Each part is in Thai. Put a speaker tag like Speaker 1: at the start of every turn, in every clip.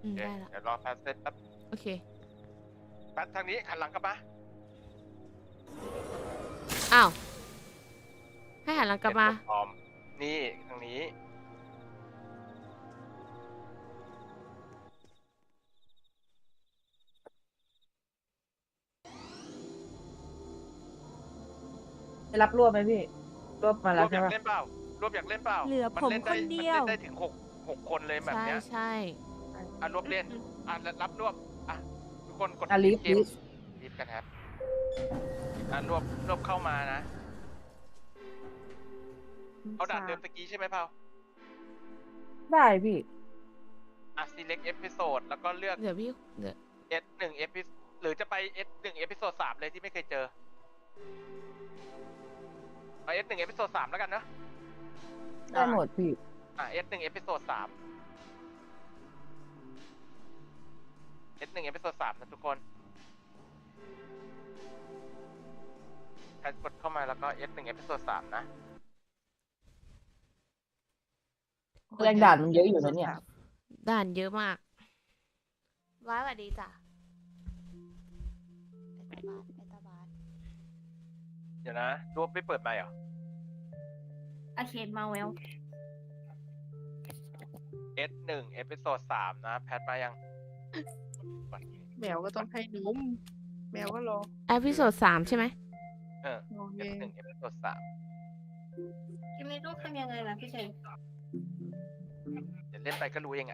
Speaker 1: ได้ละ
Speaker 2: เดี๋ยวรอแพทเสร็จแป๊บ
Speaker 1: โอเค
Speaker 2: แพททางนี้หันหลังกลับมา
Speaker 1: อ้าวให้หันหลังกลับมา
Speaker 2: พร้อมนี่ทางนี้
Speaker 3: จะรับรวบไหมพี่รวบมาร แล้ว
Speaker 2: วบอ
Speaker 3: ใช่
Speaker 2: ยาก
Speaker 3: ปะ
Speaker 2: เล่นเปล่ารวบอยากเล่นเปล่า
Speaker 4: เหลือผม
Speaker 2: ล่
Speaker 4: คนเดียว
Speaker 2: มันเล่นได้ถึง6คนเลยแบบ
Speaker 1: ใช่
Speaker 2: เนี้ย
Speaker 1: ใช่
Speaker 2: รวบเล่นรับรวบทุกคนกด
Speaker 3: ลิฟ
Speaker 2: เก
Speaker 3: ลิ
Speaker 2: ม
Speaker 3: ฟ
Speaker 2: รีบกันครับรวบเข้ามานะเอาด่านเดิมตะกี้ใช่ไหมเปล่า
Speaker 3: ได้พี่
Speaker 2: select episode แล้วก็เลือก
Speaker 1: เดี๋ยวพี่เดี๋ยว
Speaker 2: S1 episode หรือจะไป S1 episode 3เลยที่ไม่เคยเจอเอา S1 episode 3แล้วกันเนอะ
Speaker 3: ได้หมดพี่
Speaker 2: S1 episode 3 S1 episode 3นะทุกคนใครกดเข้ามาแล้วก็ S1 episode 3นะ
Speaker 3: แรงด่านมันเยอะอยู่นะเนี่ย
Speaker 1: ด่านเยอะมากว้ายสวัสดีจ้ะไปตาบาส
Speaker 2: เดี๋ยวนะรวบไม่เปิดไมค์เหรอ
Speaker 4: อาเคนมาแวว
Speaker 2: S1 episode 3นะแพทมายัง
Speaker 5: แมวก็ต้องให้นมแมวก็รอ
Speaker 1: เอพิโซด3ใช่ไหม
Speaker 5: โอเค
Speaker 2: S1 episode 3
Speaker 4: ยังไม่รู้ทำยังไงนะพี่เชน
Speaker 2: เดี๋ยวเล่นไปก็รู้เอง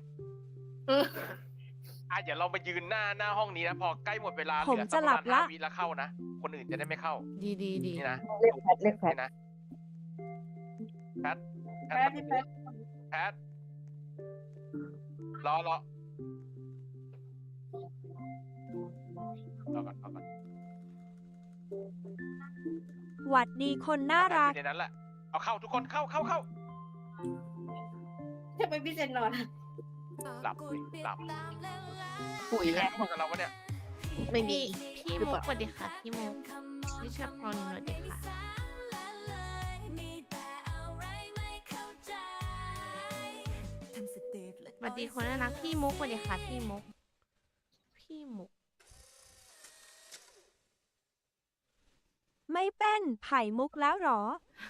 Speaker 2: เดี๋ยวเรามายืนหน้าห้องนี้นะพอใกล้หมดเวลา
Speaker 4: ผมจะหลับละ
Speaker 2: 5 วิแล้วเข้านะคนอื่นจะได้ไม่เข้า
Speaker 1: ดี
Speaker 2: นี่นะ
Speaker 3: เรียกแพทเรียกแพท
Speaker 2: นี่นะแพท
Speaker 4: แพทพี่แพท
Speaker 2: แพทรอก่อน
Speaker 4: หวัดดีคนน่ารัก
Speaker 2: อยู่ในนั้นแหละเอาเข้าทุกคนเข้า
Speaker 4: ทำไมพี่เชนนอน
Speaker 2: หลับ
Speaker 5: ปุ๋ย
Speaker 2: มีใคร
Speaker 5: แล้ว
Speaker 2: เข้ามากับเราวะเนี่ย
Speaker 5: ไม่มี
Speaker 1: พี่
Speaker 5: หรือ
Speaker 1: มุ
Speaker 5: เป
Speaker 1: ก
Speaker 5: ล่า
Speaker 1: สวัสดีค่ะพี่มุกวิชาพรสวัสดีค่ะสวัสดีคนน่ารักพี่มุกสวัสดีค่ะพี่มุก
Speaker 4: ไม่เป็นไผ่มุกแล้วหรอ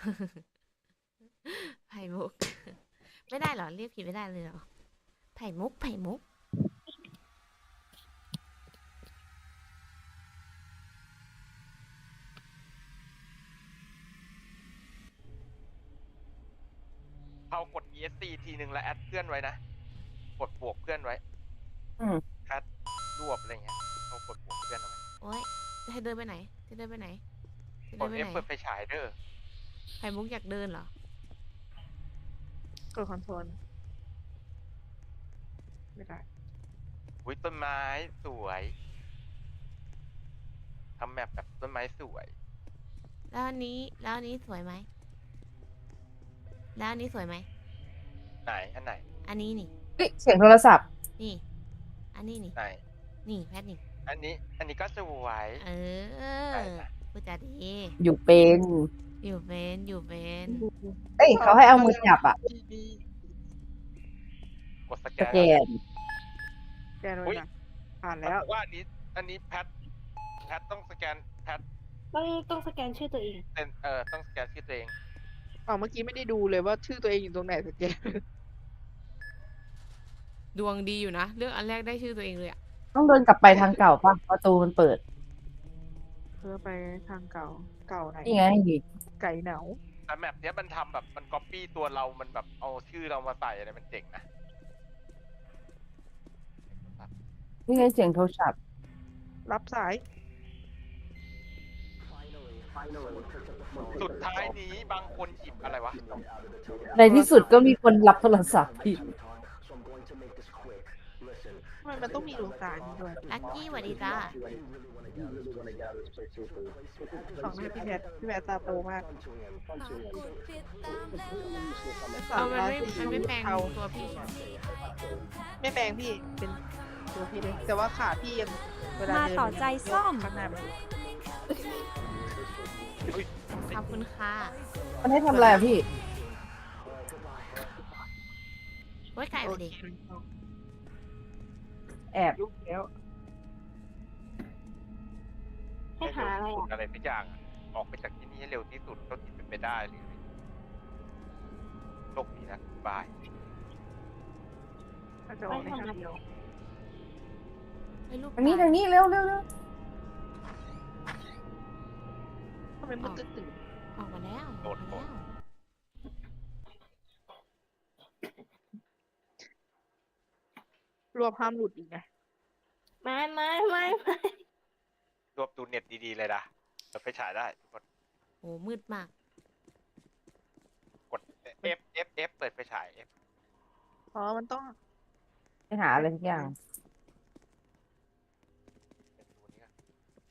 Speaker 1: ไผ่มุก ไม่ได้เหรอเรียกผิดไม่ได้เลยเหรอไผ่มุก
Speaker 2: เขากด ESC ทีนึงแล้วแอดเพื่อนไว้นะกดบวกเพื่อนไว้ แพทรวบอะไรเงี้ยเขากดบวกเพื่อนเอาไว้
Speaker 1: โอ๊ยจะเดินไปไหน
Speaker 2: กด F เปิดไฟฉายเด้อ
Speaker 1: ไผ่มุกอยากเดินเหรอ
Speaker 5: กดคอนโทรลไม่ได้
Speaker 2: อุ้ยต้นไม้สวยทำแมปแบบต้นไม้สวย
Speaker 1: แล้วอันนี้สวยไหมแล้วอันนี้สวยไหม
Speaker 2: ไหนอันไหน
Speaker 1: อันนี้นี่
Speaker 3: เฮ้ยเสียงโทรศัพท์
Speaker 1: นี่ อันนี้นี่
Speaker 2: ไหน
Speaker 1: นี่แพทนี่
Speaker 2: อันนี้ก็สวย ไหนนะ
Speaker 1: พูดจาดี
Speaker 3: อยู่เป็น
Speaker 1: อยู่เป็น
Speaker 3: เอ้ยเขาให้เอามือจับอ่ะ
Speaker 2: กดสแก
Speaker 3: ส
Speaker 2: น
Speaker 3: แกน
Speaker 5: แกนไว้นะผ่านแล้ว
Speaker 2: ว่าอันนี้แพทต้องสแกนแพท
Speaker 4: ต้องสแกนชื่อตัวเอง
Speaker 2: เป็นต้องสแกนชื่อตัวเอง
Speaker 5: เมื่อกี้ไม่ได้ดูเลยว่าชื่อตัวเองอยู่ตรงไหนสแกน
Speaker 1: ดวงดีอยู่นะ เลือกอันแรกได้ชื่อตัวเองเลยอะ
Speaker 3: ต้องเดินกลับไปทางเก่าป่ะประตูมันเปิด
Speaker 5: เพื่อไปทางเก่าไหน
Speaker 3: นี่ไง
Speaker 5: ไก่เหนา
Speaker 2: แต่แมปเนี้ยมันทำแบบมันก๊อปปี้ตัวเรามันแบบเอาชื่อเรามาใส่อะไรมันเจ๋งนะ
Speaker 3: นี่ไงเสียงโทรศัพท์
Speaker 5: รับสาย
Speaker 2: สุดท้ายนี้บางคนหยิบอะไรวะ
Speaker 3: ในที่สุดก็มีคนรับโทรศัพท์พี่
Speaker 5: ทำไมมันต้องมีดวงตานี้ด้วย
Speaker 1: ลักกี้สวัสดีจ้า
Speaker 5: ของให้พี่แพทตาโตมาก
Speaker 1: เอามันไม่แปลง
Speaker 5: เอา
Speaker 1: ตัวพี่ใช่ไหม
Speaker 5: ไม่แปลงพี่เป็นตัวพี่เลยแต่ว่าขาพี่ยังเวลา
Speaker 4: มา
Speaker 5: เดิน
Speaker 4: ต่อใจส้ม
Speaker 5: ข้างหน้ามัน
Speaker 1: ขอบคุณค่ะ
Speaker 3: มันให้ทำอะไรอ่ะพี่
Speaker 1: โอ้ยไก่ส
Speaker 5: โอ
Speaker 1: วัส
Speaker 5: เค
Speaker 1: ดี
Speaker 3: แอบ
Speaker 5: ยุบแล้ว ให้หาอะไร
Speaker 2: เวที่สุด
Speaker 5: อ่ะ
Speaker 2: อะไรสักอย่างอะออกไปจากที่นี่ให้เร็วที่สุดเท่าที่เป็นไปได้เลยโชคดีนะบาย
Speaker 5: มันจะออกในทางเดียว
Speaker 1: ให้ลูก
Speaker 3: ทางนี้
Speaker 1: ตาย
Speaker 3: ทางนี้เร็วเร็วเร็ว
Speaker 5: ทำไมมันตื่น
Speaker 1: ออกมาแล้วอ
Speaker 2: โด
Speaker 1: อก
Speaker 2: ด
Speaker 1: มา
Speaker 2: โดด
Speaker 1: แล้ว
Speaker 5: รวบห้ามหลุดอีกไง
Speaker 6: ไม่
Speaker 2: รวบดูเน็ตดีๆเลยนะเปิดไฟฉายได้กด
Speaker 1: โอ้มืดมาก
Speaker 2: กด F เปิดไฟฉาย F
Speaker 5: อ๋อ มันต้อง
Speaker 3: ไปหาอะไรสักอย่าง
Speaker 2: เป็นตัวนี้ก่อน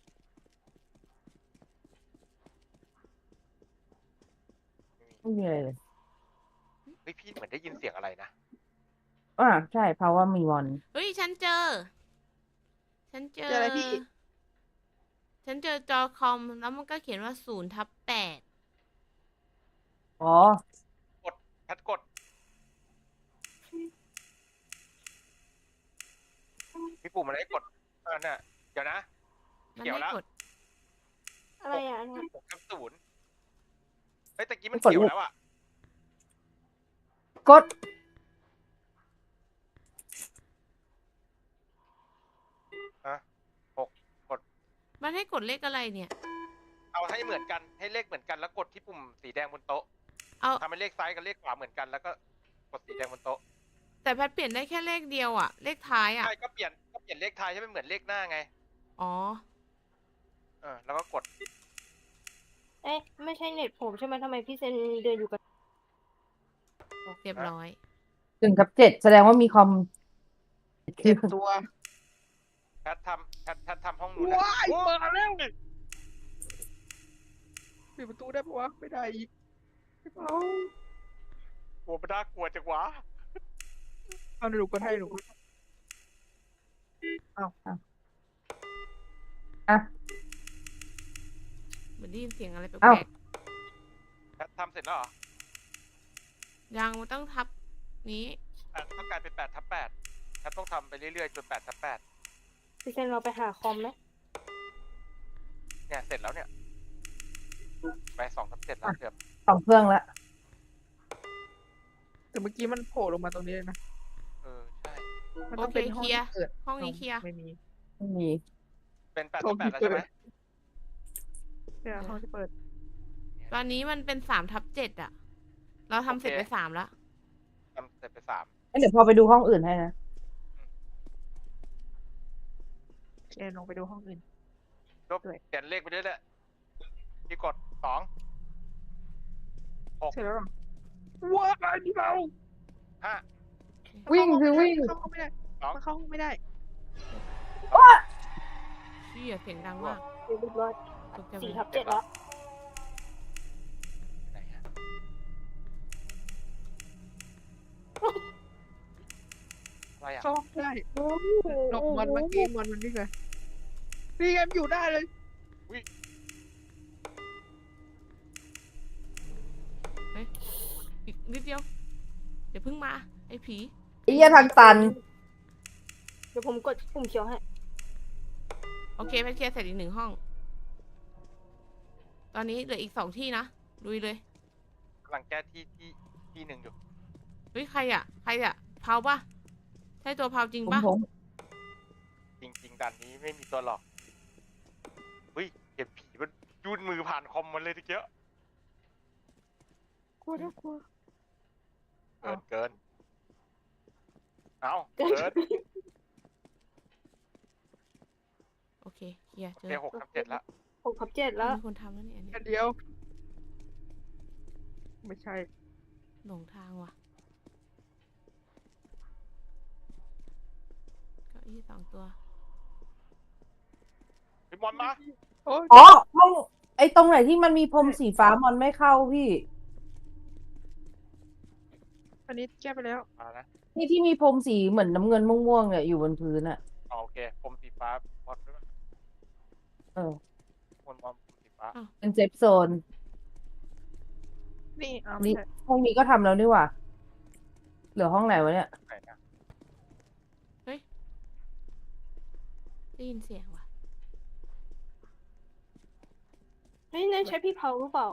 Speaker 2: ไม่มี
Speaker 3: ไม่มีอะไรเลย
Speaker 2: เฮ้ยพี่เหมือนได้ยินเสียงอะไรนะ
Speaker 3: ใช่เพราะว่ามีมอน
Speaker 1: เฮ้ยฉันเจอ ฉันเจอ
Speaker 5: เจออะไรพี่
Speaker 1: ฉันเจอจอคอมแล้วมันก็เขียนว่า0/8
Speaker 3: อ๋อ
Speaker 2: แพทกดพี่ปู่มันให้กดน่ะเดี๋ยวนะ
Speaker 1: มัน
Speaker 2: เขียว
Speaker 1: ให้
Speaker 2: แล้ว
Speaker 1: กด
Speaker 6: อะไรอ่ะอันเนี้ย
Speaker 2: 6/0เฮ้ยตะกี้มัน
Speaker 3: กด
Speaker 2: เขียว
Speaker 3: เลย
Speaker 2: แล้วอ่ะ
Speaker 3: กด
Speaker 1: มันให้กดเลขอะไรเนี่ย
Speaker 2: เอาให้เหมือนกันให้เลขเหมือนกันแล้วกดที่ปุ่มสีแดงบนโต๊ะ
Speaker 1: เอา
Speaker 2: ทำให้เลขซ้ายกับเลขขวาเหมือนกันแล้วก็กดสีแดงบนโต๊ะ
Speaker 1: แต่แพทเปลี่ยนได้แค่เลขเดียวอะเลขท้ายอะ
Speaker 2: ใช่ก็เปลี่ยนเลขท้ายให้มันเหมือนเลขหน้าไง
Speaker 1: อ๋อ
Speaker 2: แล้วก็กด
Speaker 6: เอ๊ะไม่ใช่เน็ตผมใช่ไหมทำไมพี่เซนเดินอยู่กับ
Speaker 1: เรียบร้อย
Speaker 3: 1/7แสดงว่ามีคอม
Speaker 5: เจ็บตัว
Speaker 2: แพททำห้องนู้นนะ
Speaker 5: ว้าย
Speaker 2: โอ้
Speaker 5: เปิดแล้วปิดประตูได้ปะวะ ไม่ได้อีกเอา
Speaker 2: โหมันน่ากลัวจังวะ
Speaker 5: เอาหนูก็ให้หนูก็
Speaker 1: เหมือนได้ยินเสียงอะไรแป
Speaker 3: เอ้า
Speaker 1: ลก
Speaker 2: แพททำเสร็จแล้วเหรอ
Speaker 1: ๆยังมันต้องทับนี้
Speaker 2: ต้องกลายเป็น8/8แพทต้องทำไปเรื่อยๆจน8/8
Speaker 6: พี่เซนเราไปหาคอมไหม
Speaker 2: เนี่ยเสร็จแล้วเนี่ยไป2/7แล้วเกือบ
Speaker 3: 2 เครื่องละ
Speaker 5: แต่เมื่อกี้มันโผล่ลงมาตรงนี้เลยนะ
Speaker 2: ใช่
Speaker 5: มัน
Speaker 1: โอ
Speaker 5: ต้อง
Speaker 1: เค
Speaker 5: เป็นห้
Speaker 1: เค
Speaker 5: อง
Speaker 1: ลียร์
Speaker 5: ที่เกิด
Speaker 1: ห้องนี้เคลียร์
Speaker 5: ไม่มี
Speaker 3: ไม่มี
Speaker 2: เป็น8/8แล้วใช่ไหม
Speaker 5: เนี่ยห้องที่เปิด
Speaker 1: ตอนนี้มันเป็น3/7อะเราทำเสร็จไป3แล้ว
Speaker 2: ทำเสร็จไป3
Speaker 3: เดี๋ยวพอไปดูห้องอื่นให้นะ
Speaker 5: เชนลงไปดูห้องอื่น
Speaker 2: ลบเปลี่ยนเลขไปเรื่อยๆที่กด2
Speaker 5: เสร็จแล้วหรอว้ายนี่เรา
Speaker 2: 5
Speaker 3: วิ่งคือวิ่ง
Speaker 5: เข้าห้องไม่ได้มันเข้าห้องไม่ได้
Speaker 1: เชี่ยเสียงดังมาก
Speaker 6: เรียบร้อย
Speaker 1: ตกใจหมด
Speaker 6: 4/7แล้ว
Speaker 2: ไหนอะอะไรอ่ะ
Speaker 5: เข้าห้องไม่ได้หลบมันเมื่อกี้มันวิ่งเลยนี่ไงมันอยู่ได้เลย
Speaker 1: อีกนิดเดียว เดี๋ยวเพิ่งมา ไอ้ผี
Speaker 3: ไอ้เหี้ยทางตัน
Speaker 6: เดี๋ยวผมกดปุ่มเขียวให้
Speaker 1: โอเคแพทเคลียร์เสร็จอีก1 ห้อง ตอนนี้เหลืออีก2 ที่นะลุยเลย
Speaker 2: กำลังแก้ที่หนึ่งอยู่
Speaker 1: เฮ้ยใครอะเผาปะใช่ตัวเผาจริงปะ
Speaker 3: ผม
Speaker 2: จริงๆด่านนี้ไม่มีตัวหลอกเฮ้ยเห็นผีมันยื่นมือผ่านคอมมันเลยทีเดียว
Speaker 5: กลัวนะกลัว
Speaker 2: เกินเอาเกิน
Speaker 1: โอเคเคลียร์เจอ
Speaker 2: เจ6/7แล้ว
Speaker 6: 6/7แล้ว
Speaker 1: มีคนทำแล้วเนี่ยอันนี้
Speaker 5: อันเดียว ไม่ใช่
Speaker 1: หลงทางว่ะเก้าอี้2 ตัว
Speaker 2: พี่มอนมา
Speaker 5: โอ้ย
Speaker 3: อ๋อห้องไอ้ตรงไหนที่มันมีพรมสีฟ้ามอนไม่เข้าพี่
Speaker 5: อันนี้แก้ไปแล้ว
Speaker 2: มานะ
Speaker 3: นี่ที่มีพรมสีเหมือนน้ำเงินม่วงๆเนี่ยอยู่บนพื้นอ่ะ
Speaker 2: โอเคผมสีฟ้ามอนด้วย
Speaker 3: เออ
Speaker 2: มอนสีฟ้า
Speaker 3: เป็นเซฟโซน
Speaker 5: นี่เอา
Speaker 3: นี่
Speaker 5: ไม่ใช่
Speaker 3: ห้องนี้ก็ทำแล้วนี่หว่า เหลือห้องไหนวะเนี่ย
Speaker 2: ไหนนะ
Speaker 1: ได้ยินเสียงว่ะ
Speaker 6: เฮ้ยนั่นใช่พี่เผาหรือเปล่า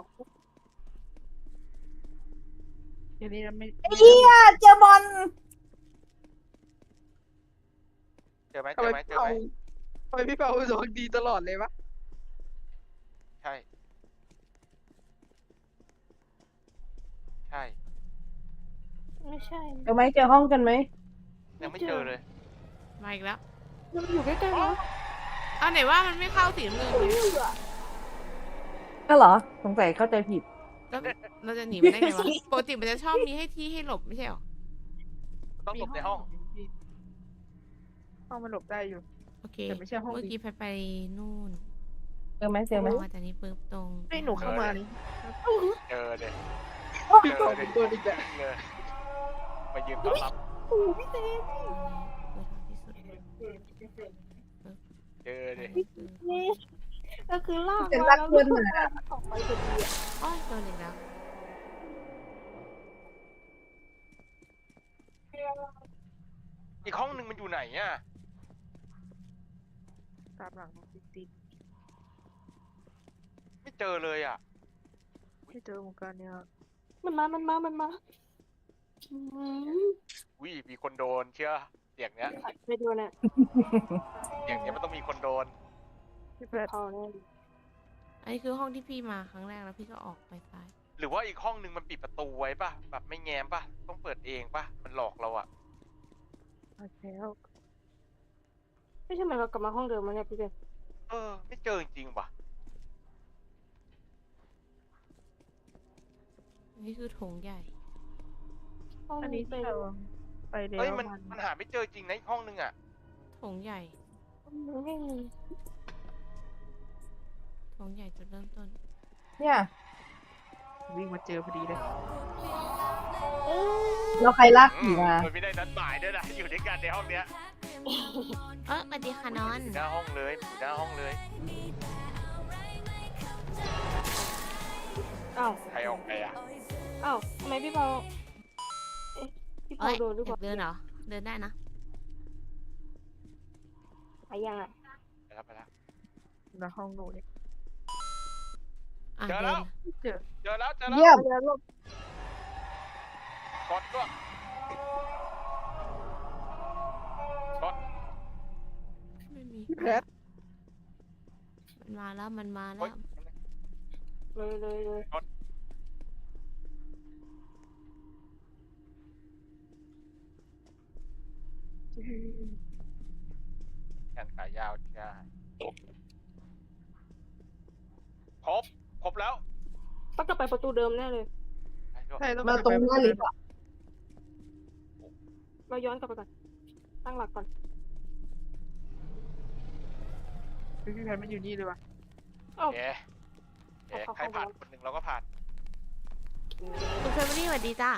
Speaker 5: เดี๋ยวนี้ไม่
Speaker 3: เฮียเจอบอล
Speaker 2: เจอไหม
Speaker 5: ทำไม
Speaker 2: เจ
Speaker 5: พี่
Speaker 2: อ
Speaker 5: เปา
Speaker 2: ไหม
Speaker 5: ทำไมพี่เปาดวงดีตลอดเลยวะ
Speaker 2: ใช่ใช่
Speaker 6: ไม่ใช่
Speaker 3: เจอไหมเจอห้องกันไหม
Speaker 2: ยังไม่เจอเลย
Speaker 1: มาอีกแล้ว
Speaker 6: มันอยู่ใกล้ๆนะ
Speaker 1: เอาไหนว่ามันไม่เข้าสีน้ำเงินเลย
Speaker 3: ก็เหรอสงสัยเข้าใจผิด
Speaker 1: แล้วเราจะหนีมันได้ไงวะ ปกติมันจะชอบมีให้ที่ให้หลบไม่ใช่หรอ
Speaker 2: ต้องหลบในห้อง
Speaker 5: พี่ห้องมันหลบได้อยู่
Speaker 1: โอเค
Speaker 5: แต่ไม่ใช่ห้อง
Speaker 1: เมื่อกี้ไปนู่น
Speaker 3: เจอไหมเจอไหม
Speaker 1: มาจากนี้ปุ๊บตรง
Speaker 5: ให้หนูเข้ามานี่
Speaker 2: เจอเลย
Speaker 5: พี่เปาเป็นตัวดีแบบ
Speaker 2: เลยมายืนต้อนรับ
Speaker 6: โอ้พี่เต้
Speaker 2: เจอเลย
Speaker 6: นี่ก็คือลาก
Speaker 3: เป็น
Speaker 6: มา
Speaker 3: รัก
Speaker 6: แล้ว
Speaker 3: เพื่อน
Speaker 6: ก็
Speaker 3: มา
Speaker 6: ออกไปพอดีอะ
Speaker 1: อ้อยโดนอีกแล้ว
Speaker 2: อีกห้องหนึ่งมันอยู่ไหนอ่ะ
Speaker 5: ตามหลังติด
Speaker 2: ไม่เจอเลยอ่ะ
Speaker 5: ไม่เจอเหมือนกันเนี่ย
Speaker 6: มันมาอืม
Speaker 2: วิมีคนโดนเชื่อเสียงเนี้ย
Speaker 6: ไปดูน่ะ
Speaker 2: เสียงเนี้ยมันต้องมีคนโดน
Speaker 5: พี่แพท
Speaker 6: เผาแน่
Speaker 1: อันนี้คือห้องที่พี่มาครั้งแรกแล้วพี่ก็ออกไปซ้าย
Speaker 2: หรือว่าอีกห้องหนึ่งมันปิดประตูไว้ป่ะแบบไม่แง้มป่ะต้องเปิดเองป่ะมันหลอกเราอ่ะ
Speaker 5: มาแล้ว
Speaker 6: ไม่ใช่เหมือนเรากลับมาห้องเดิมมั้งเนี่ยพี่เต้
Speaker 2: ไม่เจอจริงๆว่ะ
Speaker 1: อันนี้คือโถงใหญ่
Speaker 6: ห้อง
Speaker 5: อันนี้
Speaker 6: เป็
Speaker 5: ที่
Speaker 6: น
Speaker 5: เราไปแล้ว
Speaker 2: เอ้ยมันหาไม่เจอจริงนะอีกห้องหนึ่งอ่ะ
Speaker 1: โถงใหญ่
Speaker 6: ไม่มี
Speaker 1: โถงใหญ่จุดเริ่มต้น
Speaker 3: เนี่ย
Speaker 5: วิ่งมาเจอพอดีเลย
Speaker 3: เราใครลากผีมา
Speaker 2: มันไม่ได้นัดหมายด้วยนะอยู่ด้วยกันในห้องเนี้ย
Speaker 1: สวัสดีค่ะนอน
Speaker 2: อยู่หน้าห้องเลยอยู่หน้าห้องเลย
Speaker 6: อ้าว
Speaker 2: ใครออกไปอ่ะ
Speaker 6: อ้าวทำไมพี่เผาเอ๊ะพี่
Speaker 1: เอ้
Speaker 6: เผาย โดนหรือ
Speaker 1: อ
Speaker 6: เป
Speaker 1: ยา
Speaker 6: ล่าก
Speaker 1: เดินเหรอ เดินได้นะ
Speaker 6: ไปยังอ่ะ
Speaker 2: ไปแล้วไปแล้ว
Speaker 5: ในห้องหนูเนี่ย
Speaker 1: อ่ะ
Speaker 2: เจอ
Speaker 1: เดิ
Speaker 2: แล้ว
Speaker 1: น
Speaker 5: เจอ
Speaker 2: เจอแล้ว
Speaker 3: เยี่ยม
Speaker 6: เดี๋ยวลบ
Speaker 2: กดด้วยกด
Speaker 1: ไม่มี
Speaker 5: พี่แพท
Speaker 1: มันมาแล้ว มันมา
Speaker 2: โอ๊
Speaker 1: แล้
Speaker 2: ยว
Speaker 6: เลย
Speaker 2: แขนขายาวใช่ครบแล้ว
Speaker 6: ต้องกลับไปประตูเดิมแน่เลย
Speaker 5: ใช่แล้ว
Speaker 3: มาตรงหน้าลิฟต์อ่ะ
Speaker 6: เราย้อนกลับไปก่อนตั้งหลักก่อน
Speaker 5: พี่แพทมันอยู่นี่เลยวะ
Speaker 6: เอ้า
Speaker 2: เอ๊ะใครผ่านคนหนึ่งเราก็ผ่าน
Speaker 1: คุณเฟรมลี่สวัสดีจ้า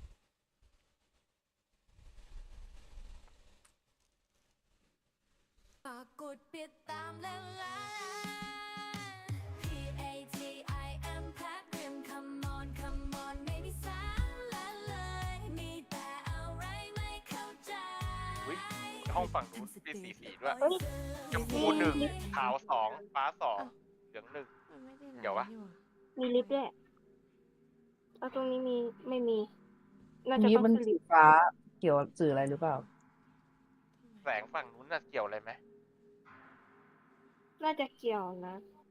Speaker 7: ฝากกดติดตามและไลค์ PATIM แพลตเรียม Come on Come on ไม่มีสาระเลย มีแต่อะไรไม่เข้าใจ
Speaker 2: อุ๊ยห้องฝั่งนู้นเป็นสีด้วย
Speaker 6: เฮ้ย
Speaker 2: ชมพูหนึ่งขาวสองฟ้าสองเหลืองหนึ่ง
Speaker 1: มันไม่ได้
Speaker 2: เดี๋ยววะ
Speaker 6: มีลิฟต์ด้วยแล้วตรงนี้มีไม่มี น่าจะ
Speaker 3: นี้
Speaker 6: ต้อง
Speaker 3: มัน
Speaker 6: ขึ้น
Speaker 3: สี
Speaker 6: ลิฟต์
Speaker 3: ฟ้าเกี่ยวกับสื่ออะไรหรือเปล่า
Speaker 2: แสงฝั่งนู้นน่ะเกี่ยวอะไรไหม
Speaker 6: น่าจะเกี่ยวนะ